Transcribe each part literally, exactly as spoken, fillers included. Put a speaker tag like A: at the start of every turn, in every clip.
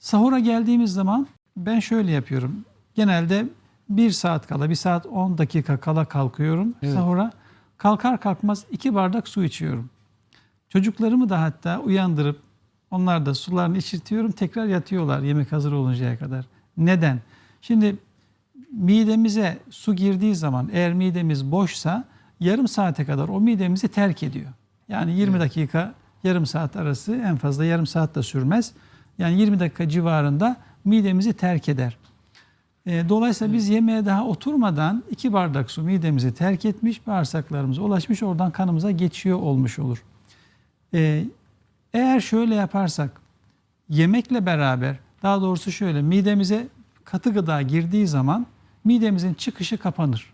A: Sahura geldiğimiz zaman ben şöyle yapıyorum. Genelde bir saat kala, bir saat on dakika kala kalkıyorum
B: Evet.
A: sahura. Kalkar kalkmaz iki bardak su içiyorum. Çocuklarımı da hatta uyandırıp onlar da sularını içirtiyorum. Tekrar yatıyorlar yemek hazır oluncaya kadar. Neden? Şimdi midemize su girdiği zaman eğer midemiz boşsa yarım saate kadar o midemizi terk ediyor. Yani yirmi
B: Evet.
A: dakika yarım saat arası, en fazla yarım saat de sürmez. Yani yirmi dakika civarında midemizi terk eder. E, Dolayısıyla biz yemeğe daha oturmadan iki bardak su midemizi terk etmiş, bağırsaklarımıza ulaşmış, oradan kanımıza geçiyor olmuş olur. E, Eğer şöyle yaparsak, yemekle beraber, daha doğrusu şöyle, midemize katı gıda girdiği zaman midemizin çıkışı kapanır.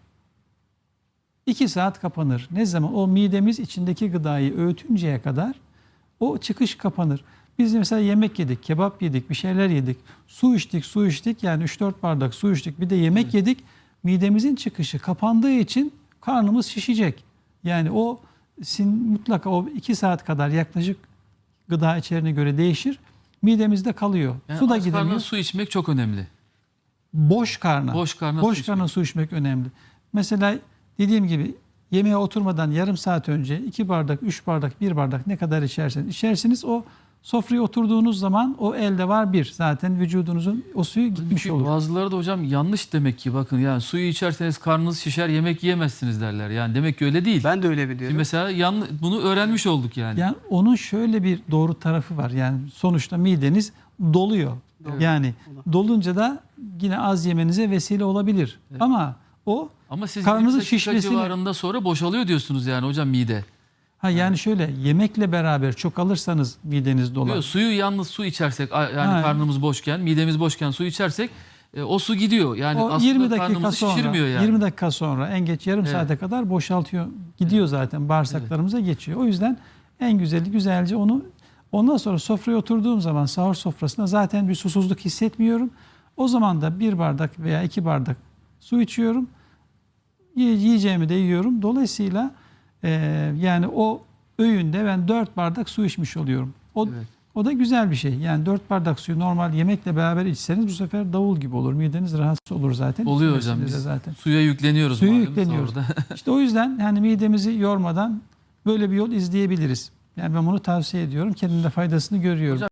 A: iki saat kapanır. Ne zaman? O midemiz içindeki gıdayı öğütünceye kadar o çıkış kapanır. Biz mesela yemek yedik, kebap yedik, bir şeyler yedik, su içtik, su içtik, yani üç dört bardak su içtik, bir de yemek
B: Evet.
A: yedik. Midemizin çıkışı kapandığı için karnımız şişecek. Yani o sin, mutlaka o iki saat kadar yaklaşık gıda içeriğine göre değişir. Midemizde kalıyor.
B: Yani
A: su da
B: aç karnına
A: gidemiyor.
B: su içmek çok önemli.
A: Boş karna.
B: Boş karna
A: Boş
B: su
A: karna
B: içmek.
A: su içmek önemli. Mesela dediğim gibi yemeğe oturmadan yarım saat önce iki bardak, üç bardak, bir bardak ne kadar içerseniz içersiniz, o sofraya oturduğunuz zaman o elde var bir. Zaten vücudunuzun o suyu gitmiş
B: Çünkü
A: olur.
B: bazıları da hocam yanlış demek ki, bakın yani suyu içerseniz karnınız şişer, yemek yiyemezsiniz derler. Yani demek ki öyle değil.
C: Ben de öyle
B: Şimdi
C: biliyorum.
B: mesela yan, bunu öğrenmiş olduk yani.
A: Yani onun şöyle bir doğru tarafı var. Yani sonuçta mideniz doluyor.
B: Evet.
A: Yani dolunca da yine az yemenize vesile olabilir.
B: Evet.
A: Ama o
B: Ama siz
A: karnınızın
B: yirmi dakika
A: şişmesini-
B: civarında sonra boşalıyor diyorsunuz yani hocam mide.
A: ha yani şöyle, yemekle beraber çok alırsanız mideniz dolar.
B: Yok, suyu yalnız su içersek, a- yani
A: Ha.
B: karnımız boşken, midemiz boşken su içersek e, o su gidiyor. Yani
A: O
B: aslında
A: yirmi dakika
B: karnımızı
A: sonra,
B: şişirmiyor yani.
A: yirmi dakika sonra, en geç yarım
B: Evet.
A: saate kadar boşaltıyor. Gidiyor zaten, bağırsaklarımıza geçiyor. O yüzden en güzeli güzelce onu, ondan sonra sofraya oturduğum zaman sahur sofrasında zaten bir susuzluk hissetmiyorum. O zaman da bir bardak veya iki bardak su içiyorum. Yiye- Yiyeceğimi de yiyorum. Dolayısıyla e, yani o öğünde ben dört bardak su içmiş oluyorum. O,
B: Evet.
A: o da güzel bir şey. Yani dört bardak suyu normal yemekle beraber içseniz bu sefer davul gibi olur. Mideniz rahatsız olur zaten.
B: Oluyor
A: İçmesinde
B: hocam,
A: de
B: biz
A: zaten.
B: suya yükleniyoruz.
A: Suya
B: malum
A: yükleniyoruz.
B: sahurda.
A: İşte o yüzden yani midemizi yormadan böyle bir yol izleyebiliriz. Yani ben bunu tavsiye ediyorum. Kendimde faydasını görüyorum.
B: Hocam,